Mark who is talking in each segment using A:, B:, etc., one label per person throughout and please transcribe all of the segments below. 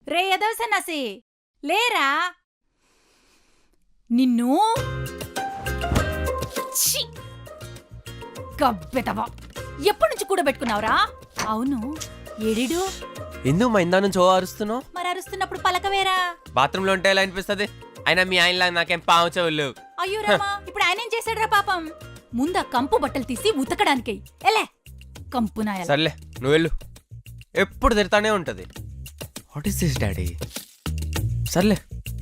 A: రే ఎదవ సన్నాసి లేరా నిన్ను ఛీ! గబ్బెదవా ఎప్పటి నుంచి కూడబెట్టుకున్నావురా? అవును ఏడిడు
B: ఎందుకు మా ఇందా నుంచి ఓ అరుస్తున్నావు?
A: మరి అరుస్తున్నప్పుడు పలకవేరా?
B: బాత్రూంలో ఉంటే ఎలా అనిపిస్తుంది? అయినా మీ ఆయనలా నాకేం పావు చెవులు.
A: అయ్యో రామా, ఇప్పుడు ఆయనేం చేశాడురా పాపం? ముందా కంపు బట్టలు తీసి ఉతకడానికి ఎలే కంపు నాయాల.
B: సర్లే నువ్వు వెళ్ళు, ఎప్పుడు తిడతానే ఉంటది. What is this daddy? సర్లే.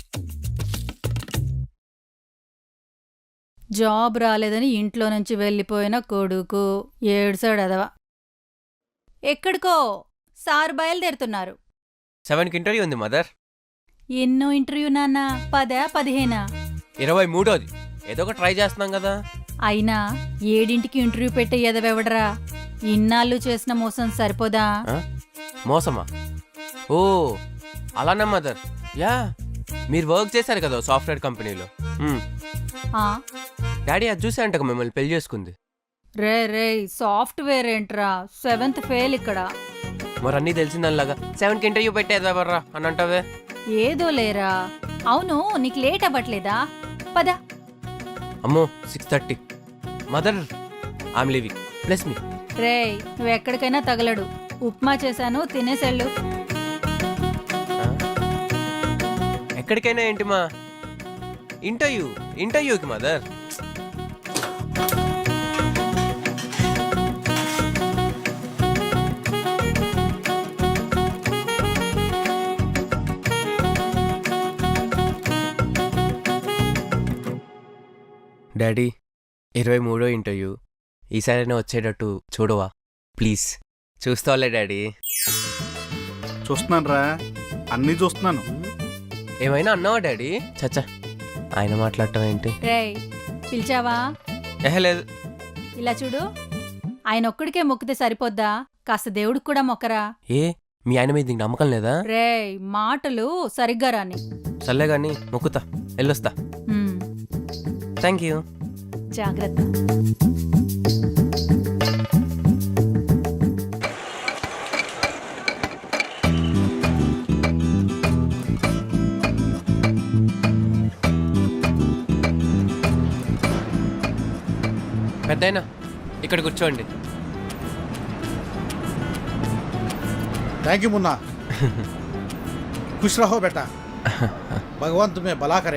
A: జాబ్ రాలేదని ఇంట్లో నుంచి వెళ్ళిపోయిన కొడుకు ఏడ్సాడు అదవా. ఎక్కడికో సార్ బయలుదేరుతున్నారు.
B: 7కి ఇంటర్వ్యూ ఉంది మదర్.
A: ఎన్నో ఇంటర్వ్యూ నాన్న? 10, 15?
B: 23ది. ఏదో ఒక ట్రై చేస్తున్నాం కదా.
A: అయినా 7ంటికి ఇంటర్వ్యూ పెట్టే ఎదవెవడరా? ఇన్నాళ్ళు చేసిన మోసం సరిపోదా?
B: మోసమా? ఓ అలానా మదర్. యా, మీరు వర్క్ చేశారు కదా సాఫ్ట్వేర్ కంపెనీలో. డాడీ అది చూసే అంట మిమ్మల్ని పెళ్లి చేసుకుంది.
A: రే సాఫ్ట్వేర్ ఏంట్రా? 7th ఫెయిల్ ఇక్కడ.
B: మరి అన్నీ తెలిసిందనిలాగా 7కి ఇంటర్వ్యూ పెట్టేదెవర్రా అని అంటావే.
A: ఏదో లేరా. అవును నీకు లేట్ అవ్వట్లేదా? పద.
B: అమ్మో 6:30. Mother I'm leaving, bless me.
A: రే నువ్వెక్కడికైనా తగలడు. ఉప్మా చేశాను తినేసెళ్ళు.
B: ఎక్కడికైనా ఏంటి మా? ఇంటర్వ్యూకి మదర్. Daddy 23వ interview. ఈసారైనా వచ్చేటట్టు చూడవా ప్లీజ్? చూస్తావులే డాడీ.
C: చూస్తున్నాను రా, అన్నీ చూస్తున్నాను.
B: ఏమైనా అన్నావా డాడీ? చచ్చా, ఆయన మాట్లాడటం ఏంటి?
A: రే పిలిచావా?
B: లేదు.
A: ఇలా చూడు, ఆయన ఒక్కడికే మొక్కితే సరిపోద్దా? కాస్త దేవుడికి కూడా మొక్కరా.
B: ఏ మీ ఆయన మీద నీకు నమ్మకం లేదా?
A: రే మాటలు సరిగ్గా రాని.
B: సర్లే గాని మొక్కుతా, వెళ్ళొస్తా. Thank you.
A: జాగ్రత్త.
B: పెద్దయినా ఇక్కడ కూర్చోండి.
C: Thank you Munna. खुश रहो बेटा, भगवान तुम्हें भला करे.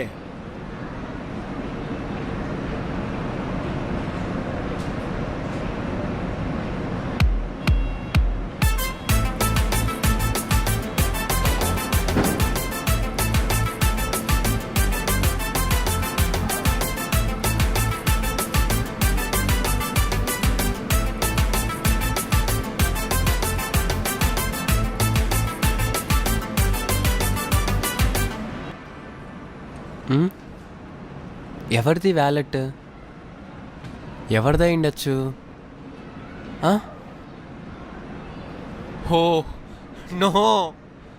B: ఎవరిది వ్యాలెట్? ఎవరిదై ఉండొచ్చు? హో నో.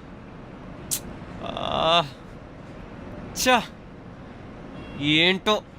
B: చా ఏంటో